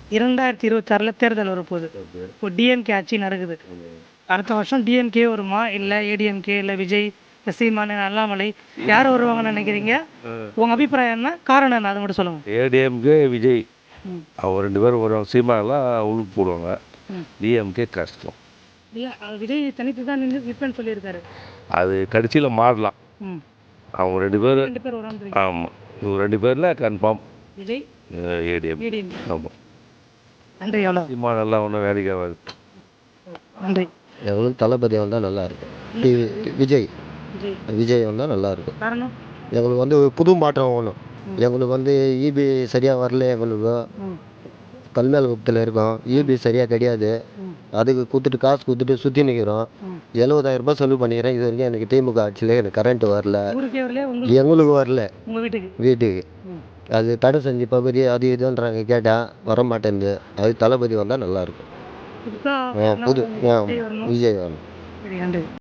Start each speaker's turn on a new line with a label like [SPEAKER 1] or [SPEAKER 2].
[SPEAKER 1] 2026 தேர்தல் வரப்போகுது. இப்போ டிஎம்கே ஆட்சி நடக்குது. அடுத்த வருஷம் டிஎம்கே வருமா, இல்லை ஏடிஎம்கே, இல்லை விஜய், இல்லை சீமான், அண்ணாமலை, யார் வருவாங்கன்னு நினைக்கிறீங்க? உங்கள் அபிப்பிராயம் என்ன, காரணம் என்ன, அதை மட்டும் சொல்லுங்கள்.
[SPEAKER 2] ஏடிஎம்கே விஜய் அவங்க 2 பேரும் வருவாங்க. சீமானெலாம் உழுப்பு போடுவாங்க. டிஎம்கே கஷ்டம்.
[SPEAKER 1] இல்லை, விஜய் தனித்து தான் நிற்பேன்னு சொல்லியிருக்காரு.
[SPEAKER 2] அது கடைசியில் மாறலாம். அவங்க 2 பேரும்
[SPEAKER 1] 2 பேர் வராங்க.
[SPEAKER 2] ஆமாம், இவங்க 2 பேரில் கன்ஃபார்ம்
[SPEAKER 1] விஜய்
[SPEAKER 2] ஏடிஎம். ஆமாம்.
[SPEAKER 1] நன்றி. எவ்வளோ
[SPEAKER 2] சீமானெல்லாம் ஒன்றும் வேலைக்கு ஆகாது.
[SPEAKER 1] நன்றி.
[SPEAKER 3] எங்களுக்கு தளபதி வந்தால் நல்லாயிருக்கும். விஜய் வந்தால் நல்லாயிருக்கும்.
[SPEAKER 1] காரணம்
[SPEAKER 3] எங்களுக்கு ஒரு புது மாற்றம் வேணும். எங்களுக்கு இபி சரியாக வரல. எங்களுக்கு கல்மேல் குப்பத்தில் இருக்கோம். இபி சரியாக கிடையாது. அதுக்கு காசு கொடுத்துட்டு சுற்றி நிற்கிறோம். 70,000 ரூபாய் செலவு பண்ணிக்கிறேன். இது வரைக்கும் எனக்கு திமுக ஆட்சியில் எனக்கு கரண்ட் வரல. எங்களுக்கு வரல. வீட்டுக்கு அது தடை செஞ்சு பகுதி அது இதுன்றாங்க. கேட்டால் வர மாட்டேங்குது. அது தளபதி வந்தால் நல்லாயிருக்கும். விஜய் வரணும்.